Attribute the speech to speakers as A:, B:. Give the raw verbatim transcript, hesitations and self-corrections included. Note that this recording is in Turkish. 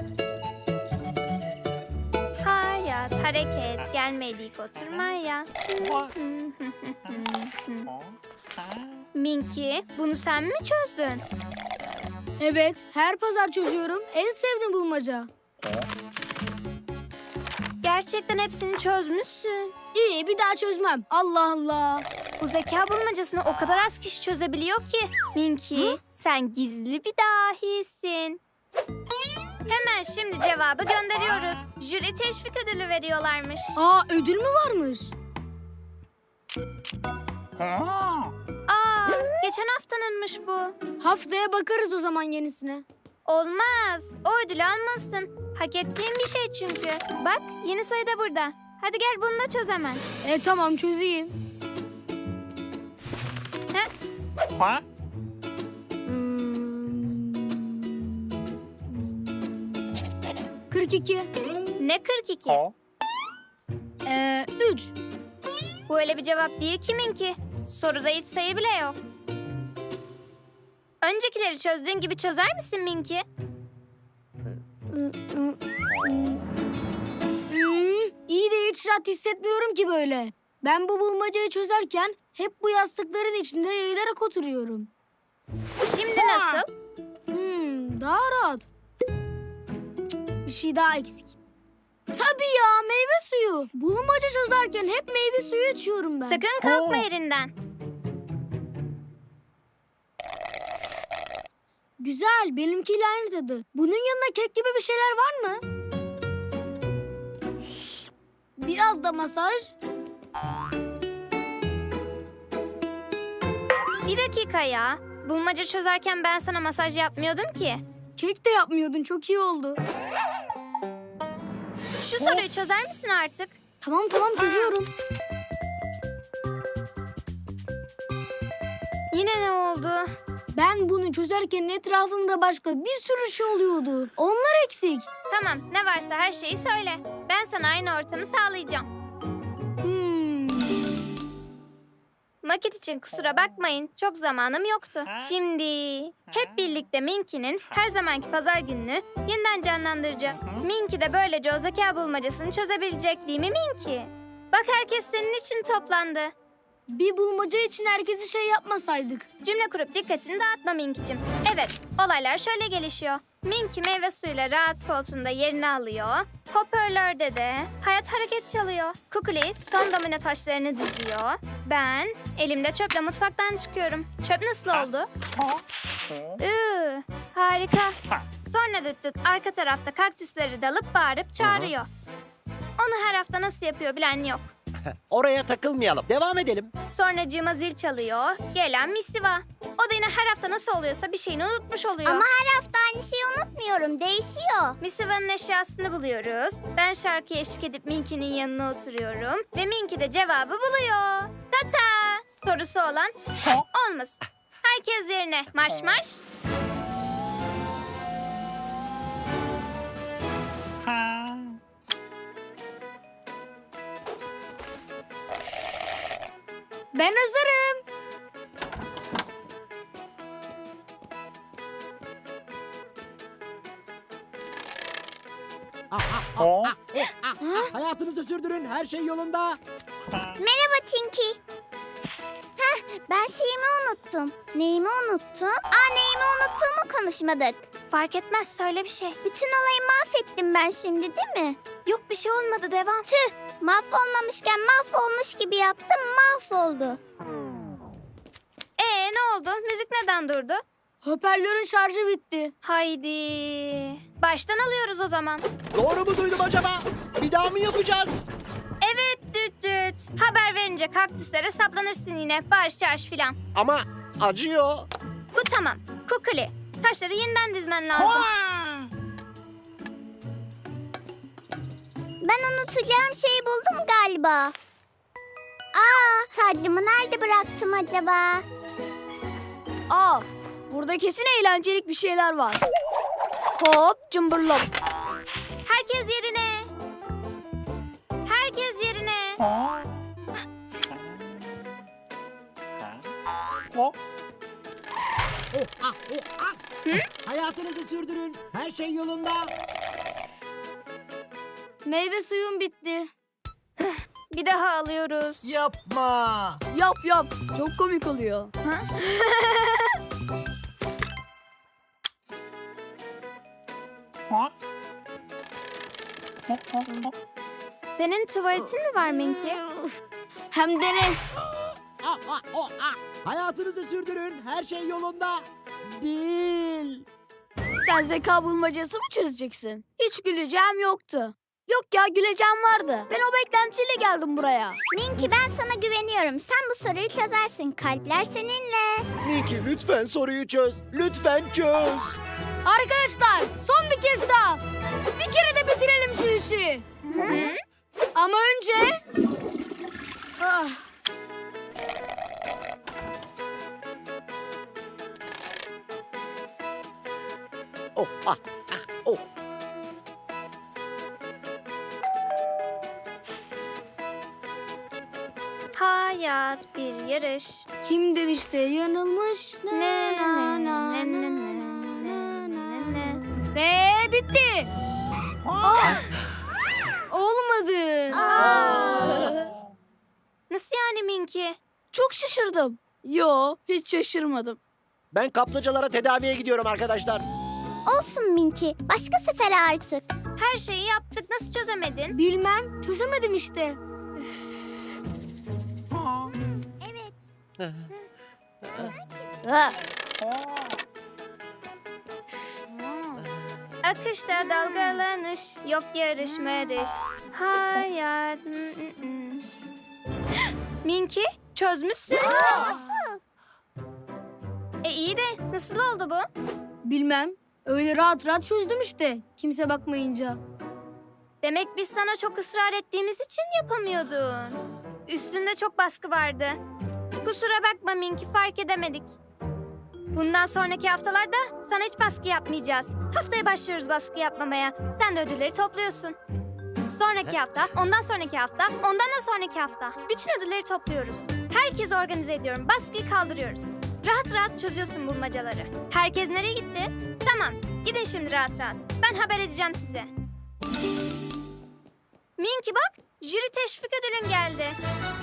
A: Hayat, hareket, gelmedik oturmaya. Minki, bunu sen mi çözdün?
B: Evet, her pazar çözüyorum. En sevdiğim bulmaca.
A: Gerçekten hepsini çözmüşsün.
B: İyi, bir daha çözmem. Allah Allah.
A: Bu zeka bulmacasını o kadar az kişi çözebiliyor ki. Minki, sen gizli bir dahisin. Hemen şimdi cevabı gönderiyoruz. Jüri teşvik ödülü veriyorlarmış.
B: Aa, ödül mü varmış?
A: Aa, geçen haftanınmış bu.
B: Haftaya bakarız o zaman yenisine.
A: Olmaz. O ödülü almalısın. Hak ettiğin bir şey çünkü. Bak, yeni sayı da burada. Hadi gel bunu da çöz hemen.
B: E tamam, çözeyim.
A: Heh.
B: Hmm. kırk iki.
A: Ne kırk iki?
B: Ee, üç.
A: Bu öyle bir cevap değil kiminki. Soruda hiç sayı bile yok. Öncekileri çözdüğün gibi çözer misin Minki?
B: Hmm, iyi de hiç rahat hissetmiyorum ki böyle. Ben bu bulmacayı çözerken hep bu yastıkların içinde yayılarak oturuyorum.
A: Şimdi nasıl?
B: Hmm, daha rahat. Cık, bir şey daha eksik. Tabii ya, meyve suyu. Bulmaca çözerken hep meyve suyu içiyorum ben.
A: Sakın kalkma yerinden.
B: Güzel, benimkiyle aynı tadı. Bunun yanına kek gibi bir şeyler var mı? Biraz da masaj.
A: Bir dakika ya. Bulmaca çözerken ben sana masaj yapmıyordum ki.
B: Kek de yapmıyordun, çok iyi oldu.
A: Şu soruyu çözer misin artık?
B: Tamam tamam, çözüyorum.
A: Yine ne oldu?
B: Ben bunu çözerken etrafımda başka bir sürü şey oluyordu. Onlar eksik.
A: Tamam, ne varsa her şeyi söyle. Ben sana aynı ortamı sağlayacağım.
B: Hmm.
A: Maket için kusura bakmayın, çok zamanım yoktu. Şimdi hep birlikte Minki'nin her zamanki pazar gününü yeniden canlandıracağız. Minki de böylece o zeka bulmacasını çözebilecek, değil mi Minki? Bak, herkes senin için toplandı.
B: Bir bulmaca için herkese şey yapmasaydık.
A: Cümle kurup dikkatini dağıtma Minki'cim. Evet, olaylar şöyle gelişiyor. Minki meyve suyuyla rahat koltuğunda yerini alıyor. Hoparlörde de hayat hareket çalıyor. Kukuli son domino taşlarını diziyor. Ben elimde çöple mutfaktan çıkıyorum. Çöp nasıl oldu? Iı, harika. Sonra düt düt arka tarafta kaktüsleri dalıp bağırıp çağırıyor. Onu her hafta nasıl yapıyor bilen yok.
C: Oraya takılmayalım. Devam edelim.
A: Sonracığıma zil çalıyor. Gelen misiva. O da yine her hafta nasıl oluyorsa bir şeyini unutmuş oluyor.
D: Ama her hafta aynı şeyi unutmuyorum. Değişiyor.
A: Misiva'nın eşyasını buluyoruz. Ben şarkıya eşlik edip Minki'nin yanına oturuyorum. Ve Minki de cevabı buluyor. Tata! Sorusu olan olmasın. Herkes yerine. Marş marş.
B: Ben hazırım.
C: Hayatınızı sürdürün. Her şey yolunda.
D: Merhaba Tinky. Heh, ben şeyimi unuttum. Neyimi unuttum? Aa, neyimi unuttuğumu konuşmadık.
A: Fark etmez, söyle bir şey.
D: Bütün olayı mahvettim ben şimdi, değil mi?
A: Yok, bir şey olmadı, devam.
D: Tüh, mahvolmamışken mahvolmuş gibi yaptım, mahvoldu.
A: Ee ne oldu? Müzik neden durdu?
B: Hoparlörün şarjı bitti.
A: Haydi. Baştan alıyoruz o zaman.
C: Doğru mu duydum acaba? Bir daha mı yapacağız?
A: Evet düt düt. Haber verince kaktüslere saplanırsın yine. Bağırış çağırış filan.
C: Ama acıyor.
A: Bu tamam. Kukuli. Taşları yeniden dizmen lazım.
D: Ben unutacağım şeyi buldum galiba. Aa, tacımı nerede bıraktım acaba?
B: Aa, burada kesin eğlencelik bir şeyler var. Hop cımbırlop.
A: Herkes yerine. Herkes yerine.
C: Hayatınızı sürdürün. Her şey yolunda.
B: Meyve suyum bitti.
A: Bir daha alıyoruz.
C: Yapma.
B: Yap yap. Çok komik oluyor.
A: Senin tuvaletin mi var Minky?
B: Hem de ne?
C: Ah, ah, oh, ah. Hayatınızı sürdürün. Her şey yolunda. Değil.
B: Sen zeka bulmacası mı çözeceksin? Hiç güleceğim yoktu. Yok ya, güleceğim vardı. Ben o beklentiyle geldim buraya.
D: Minky, ben sana güveniyorum. Sen bu soruyu çözersin. Kalpler seninle.
C: Minky lütfen soruyu çöz. Lütfen çöz.
B: Arkadaşlar, son bir kez daha. Bir kere de bitirelim şu işi. Ama önce... Ah.
C: Oh, ah, ah, oh.
A: Hayat bir yarış.
B: Kim demişse yanılmış. Na,
A: Ne
B: na,
A: ne
B: na,
A: ne ne
B: na,
A: ne
B: na,
A: ne ne.
B: Ve bitti. Ah. Olmadı.
A: Nasıl yani Minky?
B: Çok şaşırdım. Yo, hiç şaşırmadım.
C: Ben kaplıcalara tedaviye gidiyorum arkadaşlar.
D: Olsun Minky. Başka sefere artık.
A: Her şeyi yaptık. Nasıl çözemedin?
B: Bilmem, çözemedim işte.
D: Evet.
B: Ha.
A: Akışta dalgalanış. Yok yarış marış. Hayat. Minky çözmüşsün.
D: Nasıl?
A: E iyi de nasıl oldu bu?
B: Bilmem, öyle rahat rahat çözdüm işte. Kimse bakmayınca.
A: Demek biz sana çok ısrar ettiğimiz için yapamıyordun. Üstünde çok baskı vardı. Kusura bakma Minky, fark edemedik. Bundan sonraki haftalarda sana hiç baskı yapmayacağız. Haftaya başlıyoruz baskı yapmamaya. Sen de ödülleri topluyorsun. Sonraki hafta, ondan sonraki hafta, ondan da sonraki hafta. Bütün ödülleri topluyoruz. Herkesi organize ediyorum. Baskıyı kaldırıyoruz. Rahat rahat çözüyorsun bulmacaları. Herkes nereye gitti? Tamam, gidin şimdi rahat rahat. Ben haber edeceğim size. Minky bak, jüri teşvik ödülün geldi.